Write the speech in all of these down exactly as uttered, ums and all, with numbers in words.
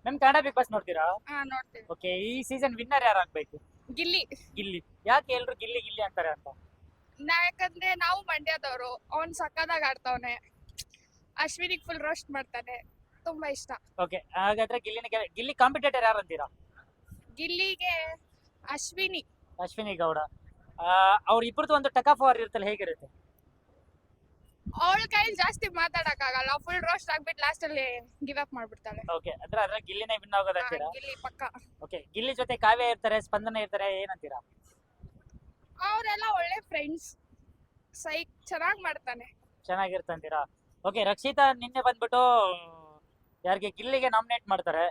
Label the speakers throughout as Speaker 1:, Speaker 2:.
Speaker 1: ನಮ್ Kannada Bigg Boss ನೋಡ್ತೀರಾ?
Speaker 2: ಹಾ ನೋಡ್ತೀವಿ.
Speaker 1: ಓಕೆ, ಈ ಸೀಸನ್ ವಿನ್ನರ್ ಯಾರಾಗ್ಬೇಕು?
Speaker 2: ಗಿಲ್ಲಿ.
Speaker 1: ಗಿಲ್ಲಿ. ಯಾಕೆ ಎಲ್ರು ಗಿಲ್ಲಿ ಗಿಲ್ಲಿ ಅಂತಾರೆ ಅಂತ?
Speaker 2: ನಾ- ಯಾಕಂದ್ರೆ ನಾವು ಮಂಡ್ಯದವರು, ಅವ್ನ್ ಸಕ್ಕದಾಗ ಆಡ್ತಾವನೆ, ಅಶ್ವಿನಿಗ್ ಫುಲ್ ರೋಸ್ಟ್ ಮಾಡ್ತಾನೆ, ತುಂಬಾ ಇಷ್ಟ.
Speaker 1: ಓಕೆ, ಹಾಗಾದ್ರೆ ಗಿಲ್ಲಿನ ಗೆ- ಗಿಲ್ಲಿ ಕಾಂಪಿಟೇಟರ್ ಯಾರು ಅಂತೀರಾ?
Speaker 2: ಗಿಲ್ಲಿಗೆ ಅಶ್ವಿನಿ.
Speaker 1: ಅಶ್ವಿನಿ ಗೌಡ. ಅವ್ರ ಇಬ್ಬರದು ಒಂದು ಟಕ್ ಆಫ್ ವಾರ್ ಇರುತ್ತಲ್ಲ, ಹೇಗಿರುತ್ತೆ?
Speaker 2: ಅವಳ ಕೈಲಿ ಜಾಸ್ತಿ ಮಾತಾಡಕ್ ಆಗಲ್ಲ, ಫುಲ್ ರೋಸ್ಟ್ ಆಗ್ಬಿಟ್ಟು ಲಾಸ್ಟ್ ಅಲ್ಲಿ ಗಿವ್ ಅಪ್ ಮಾಡ್ಬಿಡ್ತಾಳೆ.
Speaker 1: ಓಕೆ, ಅಂದ್ರೆ ಅದ್ರ ಗಿಲ್ಲಿನೇ ವಿನ್ ಆಗೋದು
Speaker 2: ಹಾ,
Speaker 1: ಅಂತೀರಾ?
Speaker 2: ಗಿಲ್ಲಿ ಪಕ್ಕ.
Speaker 1: ಓಕೆ, ಗಿಲ್ಲಿ ಜೊತೆ ಕಾವ್ಯ ಇರ್ತಾರೆ, ಸ್ಪಂದನ ಇರ್ತಾರೆ, ಏನಂತೀರಾ?
Speaker 2: ಅವರೆಲ್ಲ ಒಳ್ಳೆ ಫ್ರೆಂಡ್ಸ್, ಸೈಕ್ ಚೆನ್ನಾಗ್ ಮಾಡ್ತಾನೆ.
Speaker 1: ಚೆನ್ನಾಗಿರ್ತಂತೀರಾ? ಓಕೆ, ರಕ್ಷಿತಾ ನಿನ್ನೆ ಬಂದ್ಬಿಟ್ಟು ಯಾರಿಗೆ ಗಿಲ್ಲಿಗೆ ನಾಮಿನೇಟ್ ಮಾಡ್ತಾರೆ,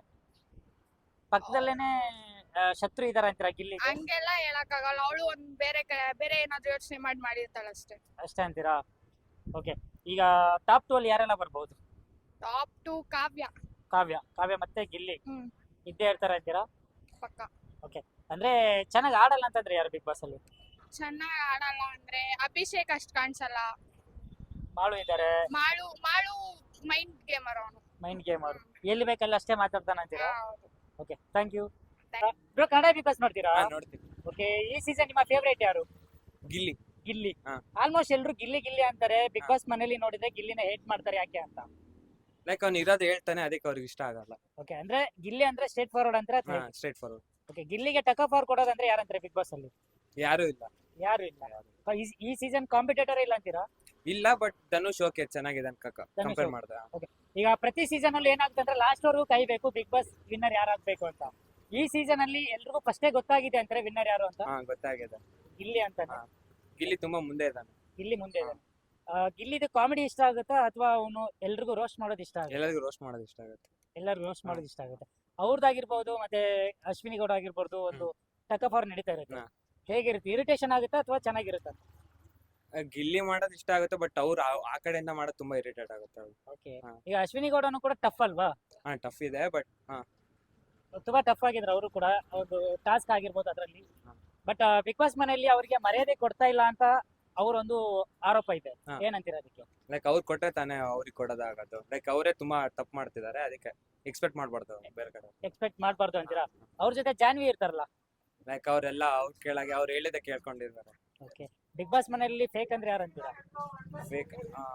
Speaker 1: ಪಕ್ಕದಲ್ಲೇನೆ ಆ, ಶತ್ರು ಇದಾರ ಅಂತೀರಾ ಗಿಲ್ಲಿಗೆ?
Speaker 2: ಹಂಗೆಲ್ಲ ಹೇಳಕ್ ಆಗಲ್ಲ, ಅವಳು ಒಂದ್ ಬೇರೆ ಕ- ಬೇರೆ ಏನಾದ್ರು ಯೋಚನೆ ಮಾಡಿ ಮಾಡಿರ್ತಾಳೆ ಅಷ್ಟೇ.
Speaker 1: ಅಷ್ಟೇ ಅಂತೀರಾ? ಓಕೆ, ಈಗ ಟಾಪ್ ಟು ಅಲ್ಲಿ ಯಾರೆಲ್ಲ ಬರ್ಬೋದು?
Speaker 2: ಟಾಪ್ ಟು ಕಾವ್ಯ.
Speaker 1: ಕಾವ್ಯ ಕಾವ್ಯ ಮತ್ತೆ ಗಿಲ್ಲಿ
Speaker 2: ಹ್ಮ್
Speaker 1: ಇದ್ದೇ ಇರ್ತಾರೆ ಅಂತೀರಾ?
Speaker 2: ಪಕ್ಕ.
Speaker 1: ಅಂದ್ರೆ ಚೆನ್ನಾಗಿ ಆಡಲ್ಲ ಅಂತಂದ್ರೆ ಯಾರು ಬಿಗ್ ಬಾಸ್ ಅಲ್ಲಿ?
Speaker 2: ಚೆನ್ನಾಗ್ ಆಡಲ್ಲ ಅಂದ್ರೆ ಅಭಿಷೇಕ್ ಅಷ್ಟ್ ಕಾಣಿಸಲ್ಲ.
Speaker 1: ಮಾಳು ಇದ್ದಾರೆ,
Speaker 2: ಮಾಳು ಮಾಳು ಮೈಂಡ್ ಗೇಮರ್ ಅವನು.
Speaker 1: ಮೈಂಡ್ ಗೇಮ್ ಅವರು ಎಲ್ಲಿ ಬೇಕಲ್ಲ ಅಷ್ಟೇ ಮಾತಾಡ್ತಾನ ಅಂತೀರಾ?
Speaker 2: ಹೌದು.
Speaker 1: Okay, thank you.
Speaker 2: Thank
Speaker 1: bro, Kannada Bigg Boss ನೋಡ್ತೀರಾ?
Speaker 3: ಹಾ, ನೋಡ್ತೀನಿ.
Speaker 1: ಓಕೆ, ಈ ಸೀಸನ್ ನಿಮ್ಮ ಫೇವರೇಟ್ ಯಾರು?
Speaker 3: ಗಿಲ್ಲಿ.
Speaker 1: ಗಿಲ್ಲಿ.
Speaker 3: ಹಾ.
Speaker 1: ಆಲ್ಮೋಸ್ಟ್ ಎಲ್ರು ಗಿಲ್ಲಿ ಗಿಲ್ಲಿ ಅಂತಾರೆ. ಬಿಗ್
Speaker 3: ಹಾ.
Speaker 1: ಬಾಸ್ ಮನೇಲಿ ನೋಡಿದ್ರೆ ಗಿಲ್ಲಿನ ಹೇಟ್ ಮಾಡ್ತಾರೆ, ಯಾಕೆ ಅಂತ?
Speaker 3: ಲೈಕ್ ಅವ್ನು ಇರೋದು ಹೇಳ್ತಾನೆ, ಅದಕ್ಕೆ ಅವ್ರಿಗೆ ಇಷ್ಟ ಆಗಲ್ಲ.
Speaker 1: ಓಕೆ, ಅಂದ್ರೆ ಗಿಲ್ಲಿ ಅಂದ್ರೆ ಸ್ಟ್ರೇಟ್ ಫಾರ್ವರ್ಡ್ ಅಂತಾರೆ.
Speaker 3: ಹಾ, ಸ್ಟ್ರೇಟ್ ಫಾರ್ವರ್ಡ್.
Speaker 1: ಓಕೆ, ಗಿಲ್ಲಿಗೆ ಟಕ್ ಆಫ್ ಆರ್ ಕೊಡೋದಂದ್ರೆ ಯಾರಂತಾರೆ ಬಿಗ್ ಬಾಸ್ ಅಲ್ಲಿ?
Speaker 3: ಯಾರು ಇಲ್ಲ.
Speaker 1: ಯಾರು ಇಲ್ಲ. ಈ- ಈ ಸೀಸನ್ ಕಾಂಪಿಟೇಟರ್ ಇಲ್ಲ ಅಂತೀರಾ?
Speaker 3: ಇಲ್ಲ, ಬಟ್ ಧನುಷ್ ಓಕೆ ಚೆನ್ನಾಗಿದೆ ಕಂಪೇರ್ ಮಾಡ್ದ.
Speaker 1: ಈಗ ಪ್ರತಿ ಸೀಸನ್ ಅಲ್ಲಿ ಏನಾಗುತ್ತೆ ಅಂದ್ರೆ ಲಾಸ್ಟ್ ವರೆಗೂ ಕಾಯ್ಬೇಕು ಬಿಗ್ ಬಾಸ್ ವಿನ್ನರ್ ಯಾರಾಗ್ಬೇಕು ಅಂತ. ಈ ಸೀಸನ್ ಅಲ್ಲಿ ಎಲ್ರಿಗೂ ಫಸ್ಟೇ ಗೊತ್ತಾಗಿದೆ ಅಂತಾರೆ ವಿನ್ನರ್ ಯಾರು ಅಂತ.
Speaker 3: ಹಾ, ಗೊತ್ತಾಗಿದೆ.
Speaker 1: ಗಿಲ್ಲಿ ಅಂತಾನೆ.
Speaker 3: ಹಾ. ಗಿಲ್ಲಿ ತುಂಬಾ ಮುಂದೆ ಇದ್ದಾನೆ.
Speaker 1: ಗಿಲ್ಲಿ ಮುಂದೆ ಇದೆ. ಆ, ಗಿಲ್ಲಿದು ಕಾಮಿಡಿ ಇಷ್ಟ ಆಗುತ್ತಾ ಅಥವಾ ಅವನು ಎಲ್ರಿಗೂ ರೋಸ್ಟ್ ಮಾಡೋದು ಇಷ್ಟ ಆಗುತ್ತೆ?
Speaker 3: ಎಲ್ಲರಿಗೂ ರೋಸ್ಟ್ ಮಾಡೋದು ಇಷ್ಟ ಆಗುತ್ತೆ.
Speaker 1: ಎಲ್ಲರಿಗೂ ರೋಸ್ಟ್ ಮಾಡೋದು ಇಷ್ಟ ಆಗುತ್ತೆ. ಅವ್ರದ್ದಾಗಿರ್ಬೋದು ಮತ್ತೆ ಅಶ್ವಿನಿ ಗೌಡ ಆಗಿರ್ಬೋದು, ಒಂದು ಟಕ್ ಆಫ್ ಅವ್ರು ನಡೀತಾ ಇರುತ್ತೆ.
Speaker 3: ಹಾ.
Speaker 1: ಹೇಗಿರುತ್ತೆ? ಇರಿಟೇಷನ್ ಆಗುತ್ತಾ ಅಥವಾ ಚೆನ್ನಾಗಿರುತ್ತೆ?
Speaker 3: ಆ, ಗಿಲ್ಲಿ ಮಾಡೋದು ಇಷ್ಟ ಆಗುತ್ತೆ, ಬಟ್ ಅವ್ರು ಆ- ಆ ಕಡೆಯಿಂದ ಮಾಡೋದು ತುಂಬಾ ಇರಿಟೇಟ್ ಆಗುತ್ತೆ ಅವ್ರು.
Speaker 1: ಓಕೆ,
Speaker 3: ಹಾ.
Speaker 1: ಈಗ ಅಶ್ವಿನಿ ಗೌಡನು ಕೂಡ ಟಫ್ ಅಲ್ವಾ?
Speaker 3: ಹಾ, ಟಫ್ ಇದೆ, ಬಟ್ ಹಾ
Speaker 1: ತುಂಬಾ ಟಫ್ ಆಗಿದ್ರು ಅವರು ಕೂಡ, ಅವ್ರದ್ದು ಟಾಸ್ಕ್ ಆಗಿರ್ಬೋದು ಅದರಲ್ಲಿ.
Speaker 3: ಹಾ.
Speaker 1: ಬಟ್ ಬಿಗ್ ಬಾಸ್ ಮನೆಯಲ್ಲಿ ಅವರಿಗೆ ಮರ್ಯಾದೆ ಕೊಡ್ತಾ ಇಲ್ಲ ಅಂತ ಅವರೊಂದು ಆರೋಪ ಇದೆ.
Speaker 3: ಹಾ.
Speaker 1: ಏನಂತೀರಾ ಅದಕ್ಕೆ?
Speaker 3: ಲೈಕ್ ಅವ್ರು ಕೊಟ್ಟರೆ ತಾನೇ ಅವ್ರಿಗೆ ಕೊಡೋದಾಗದು. ಲೈಕ್ ಅವರೇ ತುಂಬಾ ತಪ್ಪು ಮಾಡ್ತಿದ್ದಾರೆ, ಅದಕ್ಕೆ ಎಕ್ಸ್ಪೆಕ್ಟ್ ಮಾಡ್ಬಾರ್ದು ಬೇರೆ ಕಡೆ.
Speaker 1: ಎಕ್ಸ್ಪೆಕ್ಟ್ ಮಾಡಬಾರ್ದು ಅಂತೀರಾ? ಅವ್ರ ಜೊತೆ ಜಾನ್ವಿ ಇರ್ತಾರಲ್ಲ.
Speaker 3: ಲೈಕ್ ಅವರೆಲ್ಲ ಅವ್ರ ಕೇಳಾಗೆ ಅವ್ರು ಹೇಳಿದ ಕೇಳ್ಕೊಂಡಿದ್ದಾರೆ.
Speaker 1: ಓಕೆ, ಬಿಗ್ ಬಾಸ್ ಮನೆಯಲ್ಲಿ ಫೇಕ್ ಅಂದ್ರೆ ಯಾರು ಅಂತೀರಾ?
Speaker 3: ಫೇಕ್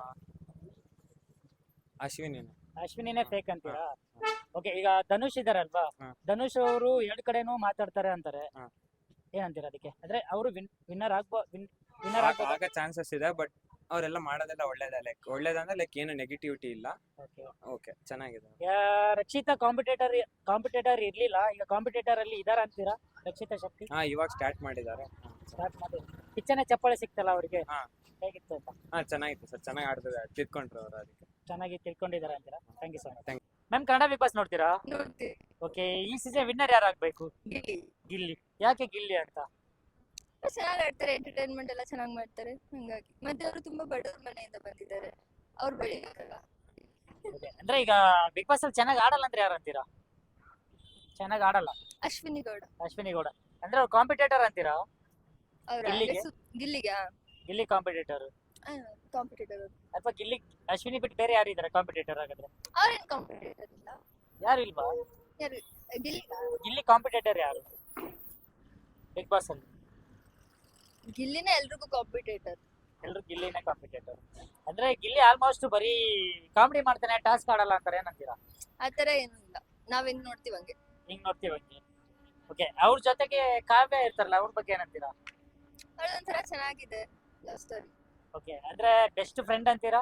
Speaker 3: ಅಶ್ವಿನಿ.
Speaker 1: ಅಶ್ವಿನಿನೇ ಫೇಕ್ ಅಂತೀರಾ? ಓಕೆ, ಈಗ ಧನುಷ್ ಇದಾರಲ್ವಾ,
Speaker 3: ಹಾ.
Speaker 1: ಧನುಷ್ ಅವರು ಎರಡ್ ಕಡೆನೂ ಮಾತಾಡ್ತಾರೆ ಅಂತಾರೆ.
Speaker 3: ಹಾ.
Speaker 1: ಏನಂತೀರಾ ಅದಕ್ಕೆ? ಅಂದ್ರೆ ಅವರು ವಿನ್ನರ್ ಆಗ್ಬೋ ವಿನ್ನರ್ ಆಗ್ಬೋದು.
Speaker 3: ಆಗ ಚಾನ್ಸಸ್ ಇದೆ, ಬಟ್ ಅವರೆಲ್ಲ ಮಾಡೋದೆಲ್ಲ ಒಳ್ಳೇದೇ. ಲೈಕ್ ಒಳ್ಳೇದಂದ್ರೆ ಲೈಕ್ ಏನು ನೆಗೆಟಿವಿಟಿ ಇಲ್ಲ.
Speaker 1: ಓಕೆ,
Speaker 3: ಓಕೆ, ಚೆನ್ನಾಗಿದೆ.
Speaker 1: ರಕ್ಷಿತಾ ಕಾಂಪಿಟೇಟರ್ ಕಾಂಪಿಟೇಟರ್ ಇರ್ಲಿಲ್ಲ, ಈಗ ಕಾಂಪಿಟೇಟರ್ ಅಲ್ಲಿ ಇದಾರ ಅಂತೀರಾ ರಕ್ಷಿತಾ ಶಕ್ತಿ?
Speaker 3: ಹಾ, ಇವಾಗ ಸ್ಟಾರ್ಟ್ ಮಾಡಿದ್ದಾರೆ.
Speaker 1: ಸ್ಟಾರ್ಟ್ ಮಾಡಿ ಕಿಚ್ಚನೆ ಚಪ್ಪಾಳೆ ಸಿಕ್ತಲ್ಲ ಅವರಿಗೆ,
Speaker 3: ಹಾ.
Speaker 1: ಹೇಗಿತ್ತು ಅಂತ?
Speaker 3: ಹಾ, ಚೆನ್ನಾಗಿತ್ತು ಸರ್, ಚೆನ್ನಾಗಿ ಆಡ್ತಿದ್ದಾರೆ, ತಿಳ್ಕೊಂಡ್ರು ಅವರು, ಅದಕ್ಕೆ.
Speaker 1: ಚೆನ್ನಾಗಿ ತಿಳ್ಕೊಂಡಿದ್ದಾರೆ ಅಂತೀರಾ? Thank you so much.
Speaker 3: Thank
Speaker 1: ma'am, Kannada Bigg Boss ನೋಡ್ತೀರಾ?
Speaker 2: ನೋಡ್ತೀವಿ.
Speaker 1: ಓಕೆ, ಈ ಸೀಸನ್ ವಿನ್ನರ್ ಯಾರಾಗಬೇಕು?
Speaker 2: ಗಿಲ್ಲಿ
Speaker 1: ಗಿಲ್ಲಿ. ಯಾಕೆ ಗಿಲ್ಲಿ ಅಂತ?
Speaker 4: ಚೆನ್ನಾಗಿ ಆಡ್ತಾರೆ, ಎಂಟರ್ಟೈನ್ಮೆಂಟ್ ಎಲ್ಲ ಚೆನ್ನಾಗಿ ಮಾಡ್ತಾರೆ, ಹಂಗಾಗಿ. ಮತ್ತೆ ಅವರು ತುಂಬಾ ಬಡವ್ರ ಮನೆಯಿಂದ ಬಂದಿದ್ದಾರೆ, ಅವ್ರು ಬೆಳಿಬೇಕಲ್ಲ.
Speaker 1: Okay, ಅಂದ್ರೆ ಈಗ ಬಿಗ್ ಬಾಸ್ ಅಲ್ಲಿ ಚೆನ್ನಾಗಿ ಆಡಲ್ಲ ಅಂದ್ರೆ ಯಾರು ಅಂತೀರಾ? ಚೆನ್ನಾಗಿ ಆಡಲ್ಲ
Speaker 4: ಅಶ್ವಿನಿ ಗೌಡ
Speaker 1: ಅಶ್ವಿನಿ ಗೌಡ ಅಂದ್ರೆ ಅವ್ರು ಕಾಂಪಿಟೇಟರ್ ಅಂತೀರಾ?
Speaker 4: ಅವ್ರ
Speaker 1: ಗಿಲ್ಲಿಗೆ?
Speaker 4: ಗಿಲ್ಲಿಗೆ
Speaker 1: ಗಿಲ್ಲಿ ಕಾಂಪಿಟೇಟರ್
Speaker 4: ಕಾಂಪಿಟೇಟರ್.
Speaker 1: ಅಥವಾ ಗಿಲ್ಲಿ ಅಶ್ವಿನಿ ಬಿಟ್ಟು ಬೇರೆ ಯಾರು ಇದಾರೆ ಕಾಂಪಿಟೇಟರ್ ಆಗಿದ್ರೆ?
Speaker 4: ಅವ್ರೇನ್ ಕಾಂಪಿಟೇಟರ್ ಇಲ್ಲ.
Speaker 1: ಯಾರು ಇಲ್ವಾ?
Speaker 4: ಯಾರು ಗಿಲ್ಲಿ
Speaker 1: ಗಿಲ್ಲಿ ಕಾಂಪಿಟೇಟರ್ ಯಾರು ಬಿಗ್ ಬಾಸ್ ಅಲ್ಲಿ?
Speaker 4: ಗಿಲ್ಲಿನ ಎಲ್ರಿಗೂ ಕಾಂಪಿಟೇಟರ್.
Speaker 1: ಎಲ್ರು ಗಿಲ್ಲಿನೇ ಕಾಂಪಿಟೇಟರ್. ಅಂದ್ರೆ ಗಿಲ್ಲಿ ಆಲ್ಮೋಸ್ಟ್ ಬರೀ ಕಾಮಿಡಿ ಮಾಡ್ತಾನೆ, ಟಾಸ್ಕ್ ಆಡಲ್ಲ ಅಂತಾರೆ, ಏನಂತೀರಾ?
Speaker 4: ಆತರ ಏನು ಇಲ್ಲ, ನಾವೇನ್ ನೋಡ್ತೀವಿ ಹಂಗೆ.
Speaker 1: ಹಿಂಗ್ ನೋಡ್ತೀವಿ ಹಂಗೆ. ಓಕೆ, ಅವ್ರ ಜೊತೆಗೆ ಕಾವ್ಯ ಇರ್ತಾರಲ್ಲ, ಅವ್ರ ಬಗ್ಗೆ ಏನಂತೀರಾ?
Speaker 4: ಅವ್ರದೊಂಥರ ಚೆನ್ನಾಗಿದೆ ಲವ್ ಸ್ಟೋರಿ.
Speaker 1: ಓಕೆ, ಅಂದ್ರೆ ಬೆಸ್ಟ್ ಫ್ರೆಂಡ್ ಅಂತೀರಾ?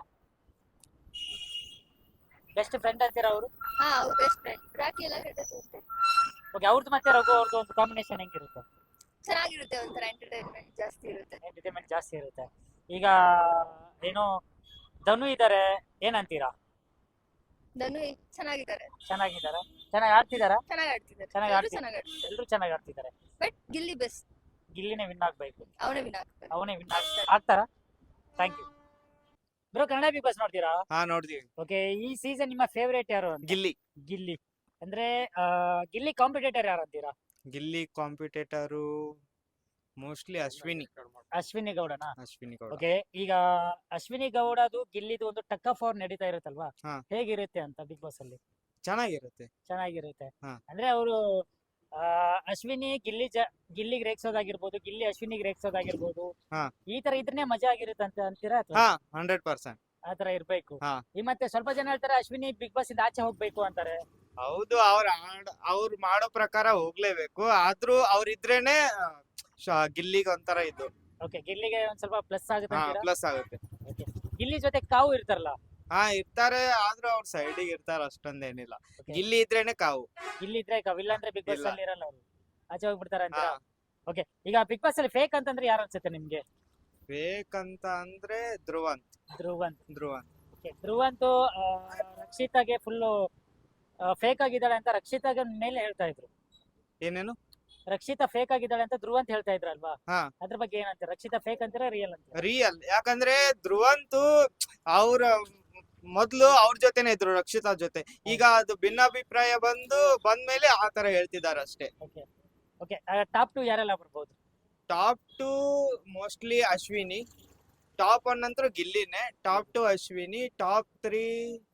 Speaker 1: ಬೆಸ್ಟ್ ಫ್ರೆಂಡ್ ಅಂತೀರಾ ಅವರು?
Speaker 4: ಹಾ, ಅವ್ರ ಬೆಸ್ಟ್ ಫ್ರೆಂಡ್. ರಾಕಿ ಎಲ್ಲ ಕೆಟ್ಟದ್ದು ಅಷ್ಟೇ.
Speaker 1: ಓಕೆ, ಅವ್ರದ್ದು ಮತ್ತೆ ರಘು ಅವ್ರದ್ದು ಒಂದು ಕಾಂಬಿನೇಷನ್ ಹೆಂಗಿರುತ್ತೆ?
Speaker 4: ಚೆನ್ನಾಗಿರುತ್ತೆ, ಒಂಥರ ಎಂಟರ್ಟೈನ್ಮೆಂಟ್ ಜಾಸ್ತಿ ಇರುತ್ತೆ.
Speaker 1: ಎಂಟರ್ಟೈನ್ಮೆಂಟ್ ಜಾಸ್ತಿ ಇರುತ್ತೆ. ಈಗ ಏನು ಧನು ಇದಾರೆ, ಏನಂತೀರಾ?
Speaker 4: ಧನು ಚೆನ್ನಾಗಿದ್ದಾರೆ,
Speaker 1: ಚೆನ್ನಾಗಿದಾರ? ಚೆನ್ನಾಗಿ ಆಡ್ತಿದಾರ?
Speaker 4: ಚೆನ್ನಾಗಿ ಆಡ್ತಿದ್ದಾರೆ,
Speaker 1: ಚೆನ್ನಾಗಿ
Speaker 4: ಎಲ್ರೂ
Speaker 1: ಆಡ್ತಿದ್ದಾರೆ.
Speaker 4: ಚೆನ್ನಾಗಿ ಆಡ್ತಿದ್ದಾರೆ.
Speaker 1: ಎಲ್ರು ಚೆನ್ನಾಗಿ ಆಡ್ತಿದ್ದಾರೆ.
Speaker 4: ಬಟ್ ಗಿಲ್ಲಿ ಬೆಸ್ಟ್,
Speaker 1: ಗಿಲ್ಲಿನೇ ವಿನ್ ಆಗ್ಬೇಕು.
Speaker 4: ಅವನೇ ವಿನ್ ಆಗ್ತಾರೆ.
Speaker 1: ಅವನೇ ವಿನ್ ಆಗ್ತಾರ? Thank you bro. Kannada Bigg Boss ನೋಡ್ತೀರಾ?
Speaker 3: ಹಾ, ನೋಡ್ತೀವಿ.
Speaker 1: ಓಕೆ, ಈ ಸೀಸನ್ ನಿಮ್ಮ ಫೇವರೇಟ್ ಯಾರು ಅಂತ?
Speaker 3: ಗಿಲ್ಲಿ.
Speaker 1: ಗಿಲ್ಲಿ ಅಂದ್ರೆ ಆ, ಗಿಲ್ಲಿ ಕಾಂಪಿಟೇಟರ್ ಯಾರು ಅಂತೀರಾ?
Speaker 3: Gilli competitor mostly Ashwini.
Speaker 1: ಅಶ್ವಿನಿ ಗೌಡನಾ?
Speaker 3: ಅಶ್ವಿನಿ ಗೌಡ.
Speaker 1: ಓಕೆ, ಈಗ ಅಶ್ವಿನಿ ಗೌಡದು ಗಿಲ್ಲಿದು ಒಂದು ಟಕ್ ಆಫ್ ಅವ್ರು ನಡೀತಾ ಇರುತ್ತಲ್ವಾ,
Speaker 3: ಹಾ.
Speaker 1: ಹೇಗಿರುತ್ತೆ ಅಂತ ಬಿಗ್ ಬಾಸ್ ಅಲ್ಲಿ?
Speaker 5: ಚೆನ್ನಾಗಿರುತ್ತೆ.
Speaker 1: ಚೆನ್ನಾಗಿರುತ್ತೆ.
Speaker 5: ಹಾ.
Speaker 1: ಅಂದ್ರೆ ಅವರು ಅಶ್ವಿನಿ ಗಿಲ್ಲಿ ಜ ಗಿಲ್ಲಿಗೆ ರೇಗ್ಸೋದಾಗಿರ್ಬೋದು, ಗಿಲ್ಲಿ ಅಶ್ವಿನಿಗೆ ರೇಗ್ಸೋದಾಗಿರ್ಬೋದು,
Speaker 5: ಹಾ.
Speaker 1: ಈ ತರ ಇದ್ರೇ ಮಜಾ ಆಗಿರುತ್ತೆ ಅಂತ ಅಂತೀರಾ ಅಥವಾ
Speaker 5: ಹಾ ಹಂಡ್ರೆಡ್ ಪರ್ಸೆಂಟ್.
Speaker 1: ಆ ತರ ಇರ್ಬೇಕು?
Speaker 5: ಹಾ.
Speaker 1: ಈ ಮತ್ತೆ ಸ್ವಲ್ಪ ಜನ ಹೇಳ್ತಾರೆ ಅಶ್ವಿನಿ ಬಿಗ್ ಬಾಸ್ ಇಂದ ಆಚೆ ಹೋಗ್ಬೇಕು ಅಂತಾರೆ.
Speaker 5: ಹೌದು, ಅವ್ರ ಆಡ್ ಅವ್ರು ಮಾಡೋ ಪ್ರಕಾರ ಹೋಗ್ಲೇಬೇಕು. ಆದ್ರೂ ಅವ್ರಿದ್ರೇನೆ ಆ, ಶ- ಗಿಲ್ಲಿಗೆ ಒಂಥರ ಇದು
Speaker 1: ಓಕೆ, ಗಿಲ್ಲಿಗೆ ಒಂದ್ ಸ್ವಲ್ಪ ಪ್ಲಸ್ ಆಗುತ್ತೆ
Speaker 5: ಹಾ
Speaker 1: ಅಂತೀರಾ?
Speaker 5: ಪ್ಲಸ್ ಆಗುತ್ತೆ.
Speaker 1: Okay. ಗಿಲ್ಲಿ ಜೊತೆ ಕಾವು ಇರ್ತಾರಲ್ಲ,
Speaker 5: ಹಾ ಇರ್ತಾರೆ, ಆದ್ರೂ ಅವ್ರ ಸೈಡಿಗೆ ಇರ್ತಾರ, ಅಷ್ಟೊಂದೇನಿಲ್ಲ.
Speaker 1: Okay.
Speaker 5: ಗಿಲ್ಲಿ ಇದ್ರೇನೆ ಕಾವು.
Speaker 1: ಗಿಲ್ಲಿ ಇದ್ರೆ ಕಾವು, ಇಲ್ಲ ಅಂದ್ರೆ ಬಿಗ್ ಬಾಸ್
Speaker 5: ಇಲ್ಲ.
Speaker 1: ಅಲ್ಲಿ ಇರಲ್ಲ ಅವರು, ಆಚೆ ಹೋಗ್ಬಿಡ್ತಾರೆ
Speaker 5: ಹಾ
Speaker 1: ಅಂತೀರಾ? ಓಕೆ, ಈಗ ಬಿಗ್ ಬಾಸ್ ಅಲ್ಲಿ ಫೇಕ್ ಅಂತಂದ್ರೆ ಯಾರು ಅನ್ಸುತ್ತೆ ನಿಮ್ಗೆ?
Speaker 5: ಬೇಕಂತ ಅಂದ್ರೆ ಧ್ರುವಂತ್.
Speaker 1: ಧ್ರುವಂತ್.
Speaker 5: ಧ್ರುವಂತ್
Speaker 1: ಓಕೆ, ಧ್ರುವಂತು ಆ, ರಕ್ಷಿತಾಗೆ ಫುಲ್ಲು ಫೇಕ್ ಆಗಿದ್ದಾಳೆ ಅಂತ ರಕ್ಷಿತಾಗೆ ಮೇಲೆ ಹೇಳ್ತಾ ಇದ್ರು.
Speaker 5: ಏನೇನು?
Speaker 1: ರಕ್ಷಿತಾ ಫೇಕ್ ಆಗಿದ್ದಾಳೆ ಅಂತ ಧ್ರುವಂತ್ ಹೇಳ್ತಾ ಇದ್ರಲ್ವಾ?
Speaker 5: ಹಾ.
Speaker 1: ಅದ್ರ ಬಗ್ಗೆ ಏನಂತ? ರಕ್ಷಿತಾ ಫೇಕ್ ಅಂತೀರಾ ರಿಯಲ್ ಅಂತ?
Speaker 5: ರಿಯಲ್. ಯಾಕಂದ್ರೆ ಧ್ರುವಂತು ಅವ್ರ ಮೊದ್ಲು ಅವ್ರ ಜೊತೆನೆ ಇದ್ರು, ರಕ್ಷಿತಾ ಜೊತೆ. ಈಗ ಅದು ಭಿನ್ನಾಭಿಪ್ರಾಯ ಬಂದು ಬಂದ್ಮೇಲೆ ಆ ತರ ಹೇಳ್ತಿದಾರೆ ಅಷ್ಟೇ.
Speaker 1: ಓಕೆ ಓಕೆ, ಟಾಪ್ ಟು ಯಾರೆಲ್ಲ ಬರ್ಬೋದು?
Speaker 5: Top two mostly Ashwini. Top one ನಂತರ ಗಿಲ್ಲಿನೇ. Top two Ashwini. Top three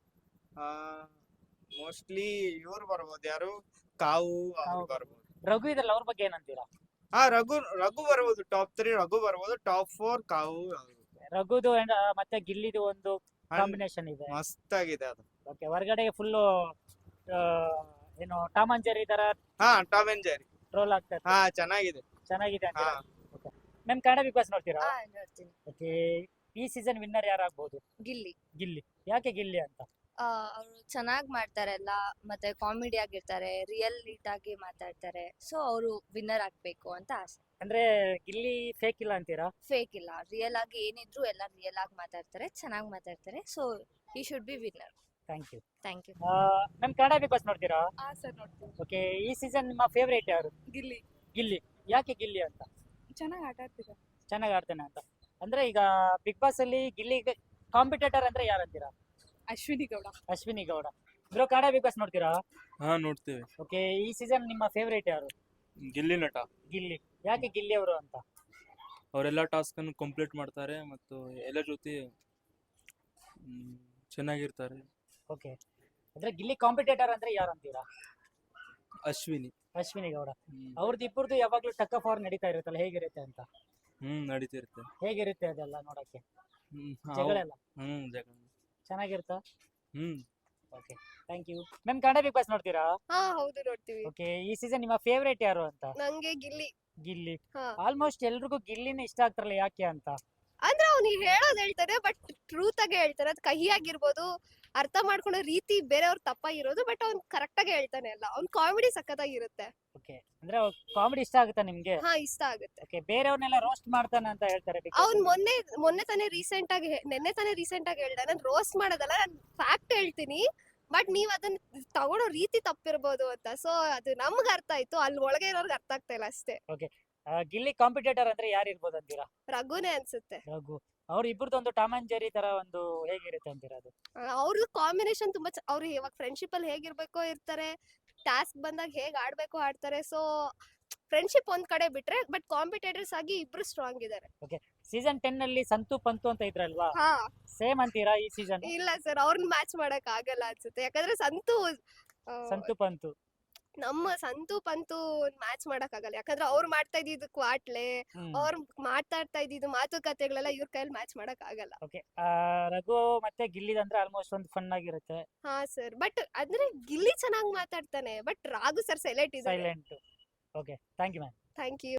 Speaker 5: mostly ಇವ್ರು ಬರ್ಬೋದು, ಯಾರು ಕಾವು ಅವ್ರು
Speaker 1: ಕಾವು.
Speaker 5: ಬರ್ಬೋದು.
Speaker 1: ರಘು ಇದ್ರಲ್ಲ, ಅವ್ರ ಬಗ್ಗೆ ಏನಂತೀರಾ?
Speaker 5: ಹಾ ರಘು ರಘು ಬರ್ಬೋದು. ಟಾಪ್ ತ್ರೀ ರಘು ಬರ್ಬೋದು. ಟಾಪ್ ಫೋರ್ ಕಾವು ಅವ್ರು.
Speaker 1: ರಘುದು and, ಆ, ಮತ್ತೆ ಗಿಲ್ಲಿದು ಒಂದು
Speaker 5: And
Speaker 1: ಕಾಂಬಿನೇಷನ್ ಇದೆ.
Speaker 5: ಮಸ್ತ್ ಆಗಿದೆ ಅದು.
Speaker 1: ಓಕೆ, ಹೊರಗಡೆ ಫುಲ್ಲು ಏನು ಟಾಮ್ ಅಂಡ್ ಜೆರ್ರಿ ತರ
Speaker 5: ಹಾ ಟಾಮ್ ಅಂಡ್ ಜೆರ್ರಿ.
Speaker 1: ಟ್ರೋಲ್ ಆಗ್ತಾ ಇತ್ತು.
Speaker 5: ಹಾ ಚೆನ್ನಾಗಿದೆ.
Speaker 1: ಚೆನ್ನಾಗಿದೆ
Speaker 5: ಹಾ
Speaker 1: ಅಂತೀರಾ? ಮ್ಯಾಮ್, ಕನ್ನಡ ಬಿಗ್ ಬಾಸ್ ನೋಡ್ತೀರಾ?
Speaker 4: ಹಾ ನೋಡ್ತೀನಿ.
Speaker 1: ಓಕೆ, ಈ ಸೀಸನ್ ವಿನ್ನರ್ ಯಾರಾಗ್ಬೋದು?
Speaker 4: ಗಿಲ್ಲಿ
Speaker 1: ಗಿಲ್ಲಿ. ಯಾಕೆ ಗಿಲ್ಲಿ ಅಂತ?
Speaker 4: ಅವರು ಚೆನ್ನಾಗಿ ಮಾಡ್ತಾರೆ ಎಲ್ಲ, ಮತ್ತೆ ಕಾಮಿಡಿ ಆಗಿರ್ತಾರೆ, ರಿಯಲ್ ನೀಟ್ ಆಗಿ ಮಾತಾಡ್ತಾರೆ. ಸೊ ಅವರು ವಿನ್ನರ್ ಆಗ್ಬೇಕು ಅಂತ ಆಸೆ.
Speaker 1: ಅಂದ್ರೆ ಗಿಲ್ಲಿ ಫೇಕ್ ಇಲ್ಲ ಅಂತೀರಾ?
Speaker 4: ಫೇಕ್ ಇಲ್ಲ, ರಿಯಲ್ ಆಗಿ ಏನಿದ್ರು ಎಲ್ಲ ರಿಯಲ್ ಆಗಿ ಮಾತಾಡ್ತಾರೆ, ಚೆನ್ನಾಗಿ ಮಾತಾಡ್ತಾರೆ. ಸೊ ಈ should be winner.
Speaker 1: Thank you.
Speaker 4: Thank you.
Speaker 1: Ma'am, Kannada Bigg Boss ನೋಡ್ತೀರಾ?
Speaker 2: ಹಾ ಸರ್ ನೋಡ್ತೀನಿ.
Speaker 1: ಓಕೆ, ಈ ಸೀಸನ್ ನಿಮ್ಮ ಫೇವ್ರೇಟ್ ಯಾರು?
Speaker 2: ಗಿಲ್ಲಿ
Speaker 1: ಗಿಲ್ಲಿ. ಯಾಕೆ ಗಿಲ್ಲಿ ಅಂತ?
Speaker 2: ಚೆನ್ನಾಗಿ ಆಟ ಆಡ್ತೀರ.
Speaker 1: ಚೆನ್ನಾಗಿ ಆಡ್ತಾನೆ ಅಂತ. ಅಂದ್ರೆ ಈಗ ಬಿಗ್ ಬಾಸ್ ಅಲ್ಲಿ ಗಿಲ್ಲಿಗೆ ಕಾಂಪಿಟೇಟರ್ ಅಂದ್ರೆ ಯಾರಂತೀರಾ?
Speaker 2: Ashwini Gowda.
Speaker 1: Ashwini Gowda. Bro, Kannada Bigg Boss ನೋಡ್ತೀರಾ?
Speaker 6: ಹಾ ನೋಡ್ತೇವೆ.
Speaker 1: ಓಕೆ, ಈ ಸೀಸನ್ ನಿಮ್ಮ ಫೇವ್ರೇಟ್ ಯಾರು?
Speaker 6: ಗಿಲ್ಲಿ ನಟ.
Speaker 1: ಗಿಲ್ಲಿ. ಯಾಕೆ ಗಿಲ್ಲಿ ಅವರು ಅಂತ?
Speaker 6: ಅವರೆಲ್ಲ ಟಾಸ್ಕ್ ಅನ್ನು ಕಂಪ್ಲೀಟ್ ಮಾಡ್ತಾರೆ ಮತ್ತು ಎಲ್ಲ ಜೊತೆ ಮ್, ಚೆನ್ನಾಗಿರ್ತಾರೆ.
Speaker 1: ಓಕೆ, ಅಂದ್ರೆ ಗಿಲ್ಲಿ ಕಾಂಪಿಟೇಟರ್ ಅಂದ್ರೆ ಯಾರು ಅಂತೀರಾ?
Speaker 6: ಅಶ್ವಿನಿ.
Speaker 1: ಅಶ್ವಿನಿ ಗೌಡ.
Speaker 6: ಹ್ಮ್.
Speaker 1: ಅವ್ರದ್ದು ಇಬ್ಬರದು ಯಾವಾಗ್ಲೂ ಟಕ್ ಆಫ್ ವಾರ್ ನಡೀತಾ ಇರುತ್ತಲ್ಲ, ಹೇಗಿರುತ್ತೆ ಅಂತ?
Speaker 6: ಹ್ಮ್ ನಡೀತಿರುತ್ತೆ.
Speaker 1: ಹೇಗಿರುತ್ತೆ ಅದೆಲ್ಲ ನೋಡಕ್ಕೆ?
Speaker 6: ಹ್ಮ್
Speaker 1: ಜಗಳ
Speaker 6: ಹೌ-
Speaker 1: ಎಲ್ಲ
Speaker 6: ಹ್ಮ್ ಜಗಳ.
Speaker 1: ಚೆನ್ನಾಗಿರುತ್ತಾ?
Speaker 6: ಹ್ಮ್
Speaker 1: okay, thank you. Ma'am, Kannada Bigg Boss ನೋಡ್ತೀರಾ?
Speaker 2: ಹಾ ಹೌದು ನೋಡ್ತೀವಿ.
Speaker 1: ಓಕೆ, ಈ ಸೀಸನ್ ನಿಮ್ಮ ಫೇವ್ರೇಟ್ ಯಾರು ಅಂತ?
Speaker 2: ನಂಗೆ ಗಿಲ್ಲಿ.
Speaker 1: ಗಿಲ್ಲಿ.
Speaker 2: ಹಾ.
Speaker 1: ಆಲ್ಮೋಸ್ಟ್ ಎಲ್ರಿಗೂ ಗಿಲ್ಲಿನೇ ಇಷ್ಟ ಆಗ್ತಾರಲ್ಲ, ಯಾಕೆ ಅಂತ?
Speaker 2: ಅಂದ್ರೆ ಅವ್ನಿಗೆ ಹೇಳೋದ್ ಹೇಳ್ತಾರೆ, ಬಟ್ ಟ್ರೂತ್ ಆಗಿ ಹೇಳ್ತಾರೆ. ಅದ್ ಕಹಿ ಆಗಿರ್ಬೋದು, ಅರ್ಥ ಮಾಡ್ಕೊಳ್ಳೋ ರೀತಿ ಬೇರೆಯವ್ರ ತಪ್ಪಾಗಿರೋದು, ಬಟ್ ಅವ್ನ್ ಕರೆಕ್ಟ್ ಆಗಿ ಹೇಳ್ತಾನೆ ಎಲ್ಲ. ಅವ್ನ್ ಕಾಮಿಡಿ ಸಖತ್ತಾಗಿರುತ್ತೆ.
Speaker 1: ಓಕೆ, ಅಂದ್ರೆ ಕಾಮಿಡಿ ಇಷ್ಟ ಆಗುತ್ತಾ ನಿಮ್ಗೆ?
Speaker 2: ಹಾ ಇಷ್ಟ ಆಗುತ್ತೆ.
Speaker 1: ಓಕೆ, ಬೇರೆಯವ್ರನ್ನೆಲ್ಲ ರೋಸ್ಟ್ ಮಾಡ್ತಾನೆ ಅಂತ ಹೇಳ್ತಾರೆ Big Boss
Speaker 2: ಅವ್ನ್
Speaker 1: ಅಲ್ಲಿ.
Speaker 2: ಮೊನ್ನೆ ಮೊನ್ನೆ ತಾನೇ ರೀಸೆಂಟ್ ಆಗಿ ಹೇ- ನೆನ್ನೆ ತಾನೇ ರೀಸೆಂಟ್ ಆಗಿ ಹೇಳ್ದ, ನಾನ್ ರೋಸ್ಟ್ ಮಾಡೋದಲ್ಲ, ನಾನ್ ಫ್ಯಾಕ್ಟ್ ಹೇಳ್ತೀನಿ, ಬಟ್ ನೀವ್ ಅದನ್ನ ತಗೊಳೋ ರೀತಿ ತಪ್ಪಿರ್ಬೋದು ಅಂತ. ಸೊ ಅದು ನಮ್ಗ್ ಅರ್ಥ ಆಯ್ತು, ಅಲ್ಲಿ ಒಳಗೆ ಇರೋರ್ಗೆ ಅರ್ಥ ಆಗ್ತಾ ಇಲ್ಲ ಅಷ್ಟೇ.
Speaker 1: ಆ, ಗಿಲ್ಲಿ ಕಾಂಪಿಟೇಟರ್ ಅಂದ್ರೆ ಯಾರು ಇರ್ಬೋದು ಅಂತೀರಾ?
Speaker 2: ರಘುನೇ ಅನ್ಸುತ್ತೆ.
Speaker 1: ರಘು. ಅವ್ರ ಇಬ್ಬರದ್ದು ಒಂದು ಟಾಮ್ ಅಂಡ್ ಜೆರ್ರಿ ತರ ಒಂದು ಹೇಗಿರುತ್ತೆ ಅಂತೀರಾ ಅದು?
Speaker 2: ಅವ್ರದ್ದು ಕಾಂಬಿನೇಷನ್ ತುಂಬಾ ಚ- ಅವ್ರು ಇವಾಗ ಫ್ರೆಂಡ್ಶಿಪ್ ಅಲ್ಲಿ ಹೇಗಿರ್ಬೇಕೋ ಇರ್ತಾರೆ, ಟಾಸ್ಕ್ ಬಂದಾಗ ಹೇಗ್ ಆಡ್ಬೇಕೋ ಆಡ್ತಾರೆ. ಸೊ ಫ್ರೆಂಡ್ಶಿಪ್ ಒಂದ್ ಕಡೆ ಬಿಟ್ರೆ, ಬಟ್ ಕಾಂಪಿಟೇಟರ್ಸ್ ಆಗಿ ಇಬ್ರು ಸ್ಟ್ರಾಂಗ್ ಇದಾರೆ.
Speaker 1: ಸೀಸನ್ ಟೆನ್ ಅಲ್ಲಿ ಸಂತು ಪಂತು ಅಂತ ಇದ್ರಲ್ವಾ,
Speaker 2: ಹಾ
Speaker 1: ಸೇಮ್ ಅಂತೀರಾ ಈ ಸೀಸನ್?
Speaker 2: ಇಲ್ಲ ಸರ್, ಅವ್ರನ್ನ ಮ್ಯಾಚ್ ಮಾಡಕ್ ಆಗಲ್ಲ ಅನ್ಸುತ್ತೆ. ಯಾಕಂದ್ರೆ ಸಂತು ಆ,
Speaker 1: ಸಂತು ಪಂತು.
Speaker 2: ನಮ್ಮ ಸಂತು ಪಂತು ಮ್ಯಾಚ್ ಮಾಡಕ್ ಆಗಲ್ಲ. ಯಾಕಂದ್ರೆ ಅವ್ರು ಮಾಡ್ತಾ ಇದ್ದಿದ್ದು ಕ್ವಾಟ್ಲೆ,
Speaker 1: ಹ್ಮ್.
Speaker 2: ಅವ್ರು ಮಾತಾಡ್ತಾ ಇದ್ದಿದ್ದು ಮಾತುಕತೆಗಳೆಲ್ಲ ಇವ್ರ ಕೈಯಲ್ಲಿ ಮ್ಯಾಚ್ ಮಾಡಕ್ ಆಗಲ್ಲ.
Speaker 1: ಓಕೆ, ರಘು ಮತ್ತೆ ಗಿಲ್ಲಿದಂದ್ರೆ ಆಲ್ಮೋಸ್ಟ್ ಒಂದು ಫನ್ ಆಗಿರುತ್ತೆ.
Speaker 2: ಹಾ ಸರ್, ಬಟ್ ಅಂದ್ರೆ ಗಿಲ್ಲಿ ಚೆನ್ನಾಗಿ ಮಾತಾಡ್ತಾನೆ, ಬಟ್ ರಾಘು ಸರ್ ಸೈಲೆಂಟ್ ಇದ್ದಾರೆ.
Speaker 1: Silent. Okay, thank you ma'am.
Speaker 2: Thank you.